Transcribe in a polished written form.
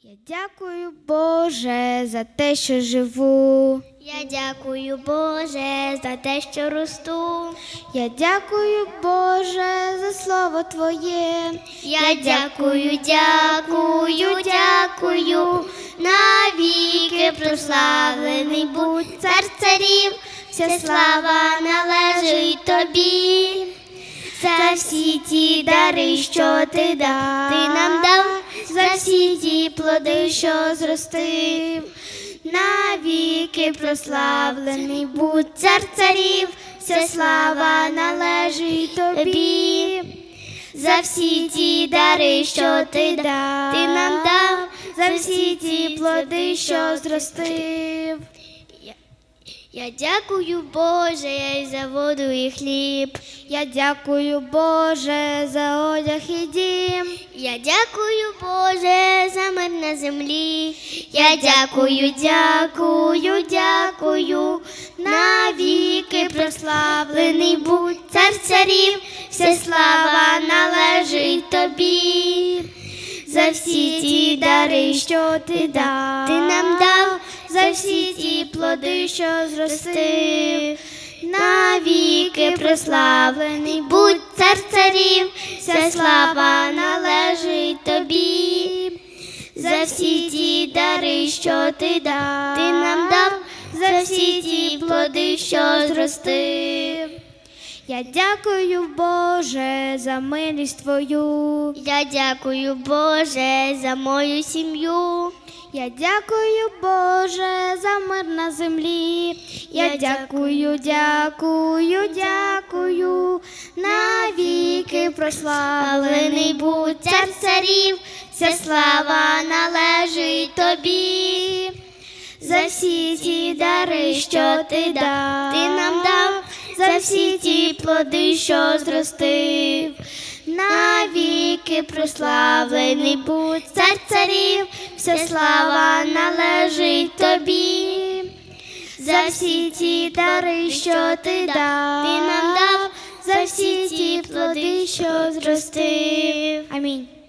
Я дякую, Боже, за те, що живу. Я дякую, Боже, за те, що росту. Я дякую, Боже, за слово Твоє. Я дякую, дякую, дякую. Навіки прославлений будь цар царів. Вся слава належить тобі. За всі ті дари, що ти нам дав, за всі ті плоди, що зростив. Навіки прославлений будь цар царів, вся слава належить тобі. За всі ті дари, що ти нам дав, за всі ті плоди, що зростив. Я дякую, Боже, за воду і хліб. Я дякую, Боже, за одяг і дім. Я дякую, Боже, за мир на землі. Я дякую, дякую, дякую. Навіки прославлений будь цар царів, вся слава належить тобі. За всі ті дари, що ти нам дав, за всі ті плоди, що зростив. Навіки прославлений будь цар царів, вся слава належить тобі. За всі ті дари, що ти нам дав, за всі ті плоди, що зростив. Я дякую, Боже, за милість Твою. Я дякую, Боже, за мою сім'ю. Я дякую, Боже, за мир на землі. Я дякую, дякую, дякую. Навіки прославлений будь цар царів, вся слава належить тобі. За всі ті дари, що ти нам дав, за всі ті плоди, що зростив. Навіки прославлений будь цар царів, вся слава належить тобі. За всі ті дари, що ти нам дав, за всі ті плоди, що зростив. Амінь.